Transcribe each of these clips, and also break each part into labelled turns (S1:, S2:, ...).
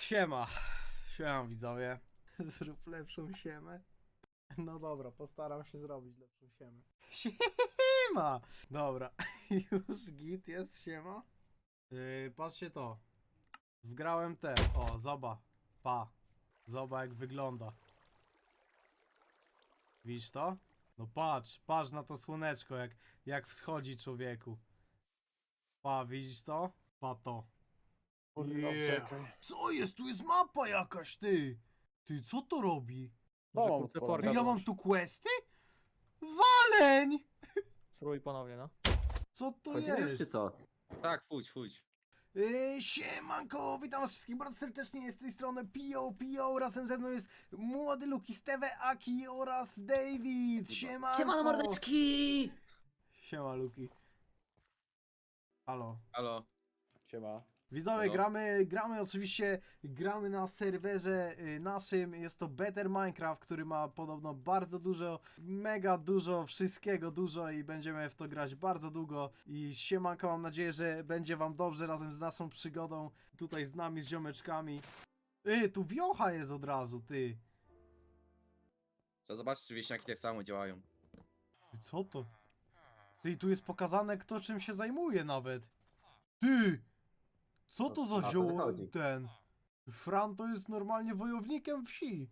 S1: Siema. Siema widzowie. Zrób lepszą siemę. No dobra, postaram się zrobić lepszą siemę. Siema! Dobra, już git jest, siema. Patrzcie to. Wgrałem te. O, zoba. Pa. Zoba jak wygląda. Widzisz to? No patrz na to słoneczko jak wschodzi człowieku. Pa, widzisz to? Pa to.
S2: Czekaj.
S1: Co jest? Tu jest mapa jakaś, ty! Ty, co to robi?
S2: No,
S3: Może
S2: mam
S3: kupę
S2: sporo.
S3: forka
S1: Ty, ja mam
S3: włącz.
S1: tu questy? Waleń!
S3: Spróbuj ponownie, no.
S1: Co to
S4: Chodzimy już
S1: jest?
S4: czy co?
S5: Tak, fuć.
S1: Siemanko, witam was wszystkich bardzo serdecznie, z tej strony Pio, razem ze mną jest młody Luki, Steve, Aki oraz David. Siemanko!
S4: Siemano mordeczki!
S1: Siema Luki. Halo.
S5: Halo.
S2: Siema.
S1: Widzowie,
S5: Halo.
S1: gramy oczywiście, gramy na serwerze naszym, jest to Better Minecraft, który ma podobno bardzo dużo, mega dużo, wszystkiego dużo i będziemy w to grać bardzo długo i siemanko, mam nadzieję, że będzie wam dobrze razem z naszą przygodą, tutaj z nami, z ziomeczkami. Tu wiocha jest od razu, ty.
S5: Trzeba zobaczyć, czy wieśniaki tak samo działają.
S1: Ty, co to? Ty, tu jest pokazane, kto czym się zajmuje nawet. Ty! Co to za
S4: O to
S1: zioło
S4: wychodzi.
S1: ten? Fran to jest normalnie wojownikiem wsi.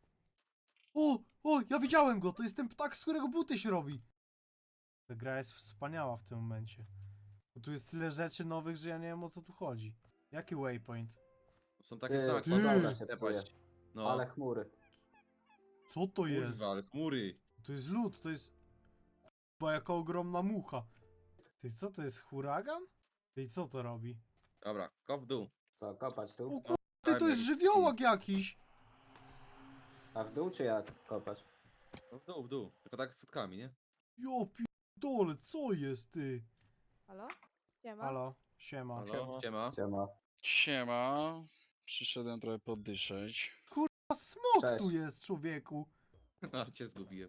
S1: Ja widziałem go, to jest ten ptak, z którego buty się robi. Ta gra jest wspaniała w tym momencie. Bo tu jest tyle rzeczy nowych, że ja nie wiem, o co tu chodzi. Jaki waypoint?
S5: Są takie
S4: Ty,
S5: znaki.
S4: pogoda się
S5: Tepaść.
S4: psuje.
S5: No,
S4: Ale chmury.
S1: Co to jest?
S5: kurwa, ale chmury.
S1: To jest lód, to jest... Chyba jaka ogromna mucha. Ty, co to jest, huragan? Ty, co to robi?
S5: Dobra, kop w dół.
S4: Co, kopać tu?
S1: O kur... Ty, to jest żywiołak jakiś!
S4: A w dół czy jak kopać?
S5: No w dół. Tylko tak z sutkami, nie?
S1: Jo, dole, co jest, ty?
S6: Halo? Siema.
S1: Halo, siema.
S5: Halo, siema.
S4: Siema.
S7: Siema, przyszedłem trochę poddyszeć.
S1: A smok
S4: Cześć.
S1: tu jest, człowieku.
S5: No, cię zgubiłem.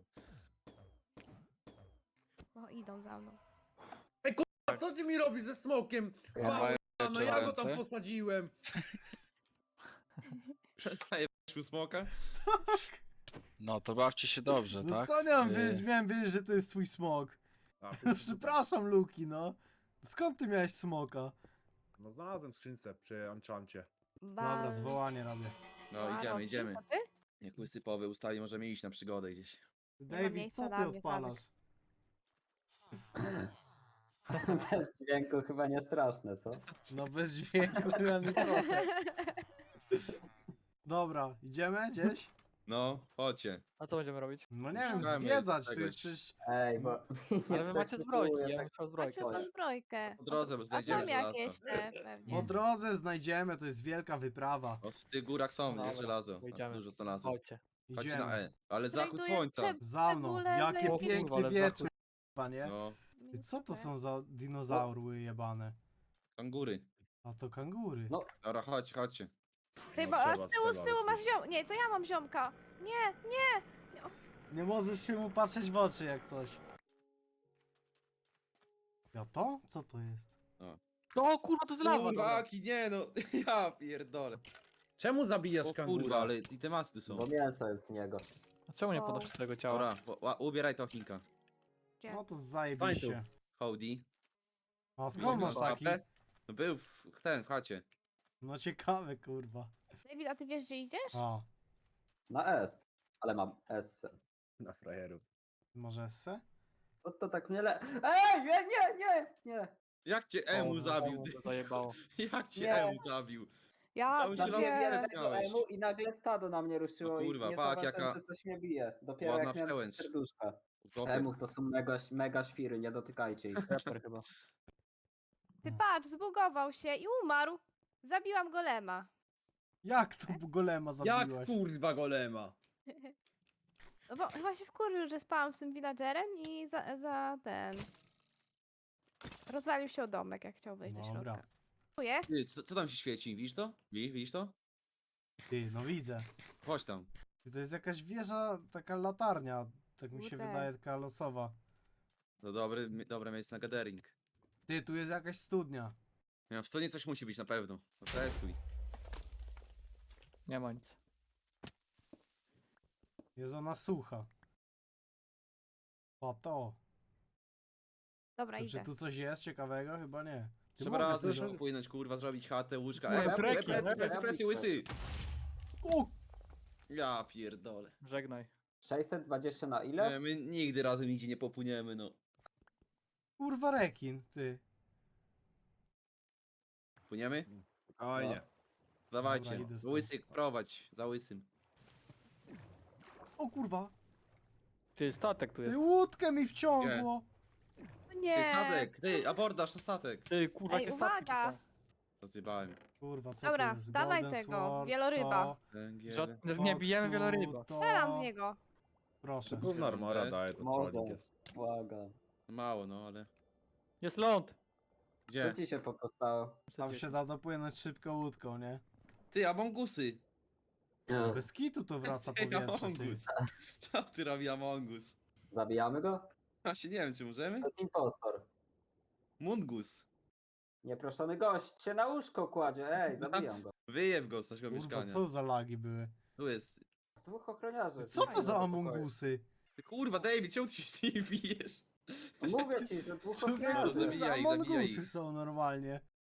S6: O, idą za mną.
S2: A co ty mi robisz ze smokiem?
S4: Ja
S7: mają
S2: No ja go
S7: ręce?
S2: tam posadziłem.
S5: Zajebałeś u smoka?
S7: No to bawcie się dobrze,
S1: No
S7: tak?
S1: skąd ja
S7: Yy.
S1: miałem wiedzieć, że to jest twój smok? Przepraszam, Luki, no. Skąd ty miałeś smoka?
S2: No znalazłem w skrzynce przy Anchancie.
S1: Dobra, zwołanie robię.
S5: No, idziemy, idziemy.
S6: To ty?
S5: Jak łysypowy ustali, możemy iść na przygodę gdzieś.
S6: ma
S1: David,
S6: miejsca
S1: co
S6: dla
S1: ty
S6: mnie,
S1: odpalasz?
S4: Bez dźwięku chyba nie straszne, co?
S1: No bez dźwięku, ani trochę. Dobra, idziemy gdzieś?
S5: No, chodźcie.
S3: A co będziemy robić?
S1: No nie wiem,
S5: Szukamy
S1: zwiedzać, tu
S5: czegoś.
S1: jest przecież...
S4: Ej, bo...
S3: Ale wy macie zbrojki, ja bym
S4: tak...
S3: chciał zbrojkę.
S6: Macie tą zbrojkę.
S5: Po drodze, bo
S6: A
S5: znajdziemy
S6: tam
S5: żelazo.
S6: jakieś te pewnie.
S1: Po drodze znajdziemy, to jest wielka wyprawa.
S5: O, w tych górach są,
S3: Dobra,
S5: jest żelazo. Tam
S3: pójdziemy.
S5: dużo znalazłem.
S3: Chodźcie.
S5: Chodźcie na
S1: Idziemy.
S5: E. Ale zachód
S6: Znajduję
S5: słońca.
S1: Za mną,
S6: cebulę,
S1: jakie
S6: lepiej.
S1: piękny
S3: Ale
S1: wieczór, panie.
S5: No,
S1: Ty, co to są za dinozaury jebane?
S5: kangury.
S1: A to kangury.
S4: No.
S5: Dobra, chodźcie.
S6: Chyba, a z tyłu masz ziom... Nie, to ja mam ziomka. Nie, nie.
S1: Nie możesz się mu patrzeć w oczy jak coś. Ja to? Co to jest?
S3: O kurwa, to jest lawa!
S5: Kurwa,
S3: dobra.
S5: Aki, nie no. Ja pierdolę.
S2: Czemu zabijasz
S5: O
S2: kangura?
S5: kurwa, ale i te masy tu są.
S4: Bo mięso jest z niego.
S3: A czemu nie
S6: O.
S3: podnosisz swojego ciała?
S5: Dobra, ubieraj to Chinka.
S6: Gdzie?
S1: No to
S2: Stań
S1: zajebiście.
S5: Howdy.
S1: A skąd masz taki?
S5: No był w chacie.
S1: No ciekawe, kurwa.
S6: David, a ty wiesz, gdzie idziesz?
S1: A,
S4: Na S. Ale mam S.
S2: Na frajerów.
S1: może esse?
S4: Co to tak mnie le... Ej, nie!
S5: Jak cię Emu
S3: O,
S5: zabił,
S3: to
S5: ty?
S3: zajebało.
S5: Jak cię
S4: Nie.
S5: Emu zabił?
S6: Ja
S5: Cały się
S4: Zabiłem
S5: los
S4: tego
S5: miałeś.
S4: emu i nagle stado na mnie ruszyło
S5: No kurwa,
S4: i nie
S5: pak,
S4: zobaczyłem,
S5: jaka
S4: że coś mnie bije. Dopiero
S5: ładna
S4: jak miałem
S5: przełęcz.
S4: serduszka.
S5: Utopę.
S4: Emuch to są mega świry, nie dotykajcie ich.
S3: Raper chyba.
S6: Ty patrz, zbugował się i umarł. Zabiłam golema.
S1: Jak to golema
S2: Jak
S1: zabiłaś?
S2: kurwa golema?
S6: No bo chyba się wkurzył, że spałam z tym villagerem i za ten... Rozwalił się o domek, jak chciał wejść do
S1: Dobra.
S6: środka. Dziękuję.
S5: Ty, co tam się świeci? Widzisz to? Widzisz to?
S1: Ty, no widzę.
S5: Chodź tam.
S1: Ty, to jest jakaś wieża, taka latarnia. Tak mi się
S6: Kurde.
S1: wydaje, taka losowa.
S5: To dobre miejsce na gathering.
S1: Ty, tu jest jakaś studnia.
S5: Ja w stonie coś musi być na pewno. No testuj.
S3: Nie ma nic.
S1: Jest ona sucha. O to.
S6: Dobra,
S1: To
S6: idę.
S1: czy tu coś jest ciekawego? Chyba nie. Ty
S5: Trzeba
S1: mogę
S5: razem
S1: sobie-
S5: popłynąć, kurwa, zrobić chatę, łóżka.
S3: No,
S5: Ej,
S3: jest rekin,
S5: plecy, łysy!
S1: O,
S5: Ja pierdolę.
S3: Żegnaj.
S4: 620 na ile?
S5: Nie, my nigdy razem nigdzie nie popłyniemy, no.
S1: kurwa rekin, ty.
S5: Płyniemy?
S2: Fajnie.
S5: Dawajcie,
S1: Dobra, idę z tym.
S5: łysy prowadź, za łysym.
S1: O kurwa.
S3: Ty, statek tu
S1: Ty,
S3: jest.
S1: łódkę mi wciągło.
S6: O
S5: Ty,
S6: nie.
S5: statek, ty, abordaż na statek.
S3: Ty, kurwa,
S6: Ej,
S3: jakie statki tu
S6: uwaga!
S3: są.
S5: Rozjebałem.
S1: Kurwa, co
S6: Dobra,
S1: to jest?
S6: dawaj
S1: Golden
S6: tego,
S1: Sword,
S6: wieloryba.
S1: to,
S5: Węgiel.
S3: Nie bijemy
S1: koksu,
S3: wieloryba.
S1: to-
S6: Strzelam w niego.
S1: Proszę.
S2: Gówno armora
S5: Jest.
S2: daje, to
S4: Może.
S2: trolling jest.
S4: Błagam.
S5: Mało, no, ale...
S3: Jest ląd.
S5: Gdzie?
S4: Co ci się postało?
S1: Tam się da dopłynąć szybko łódką, nie?
S5: Ty, Amongusy!
S1: Bez kitu to wraca
S5: Ty,
S1: powietrze, ty.
S5: Amongus. Co ty robi Amongus?
S4: Zabijamy go?
S5: Właśnie nie wiem, czy możemy?
S4: To jest impostor.
S5: Mungus.
S4: Nieproszony gość się na łóżko kładzie. Ej, zabijam go.
S5: Wyjeb go z naszego
S1: Kurwa,
S5: mieszkania.
S1: co za lagi były?
S5: Tu jest...
S4: Dwóch ochroniarzy.
S1: Co to
S4: Fajnie,
S1: za
S4: do pokoju.
S1: amongusy?
S5: Ty, kurwa, David, czemu ty się z nimi bijesz?
S4: Mówię ci, że dwóch
S1: Człowieku,
S5: No,
S1: to
S4: ochroniarzy.
S1: za
S5: zabijaj ich, zabijaj
S1: amongusy
S5: ich.
S1: są normalnie.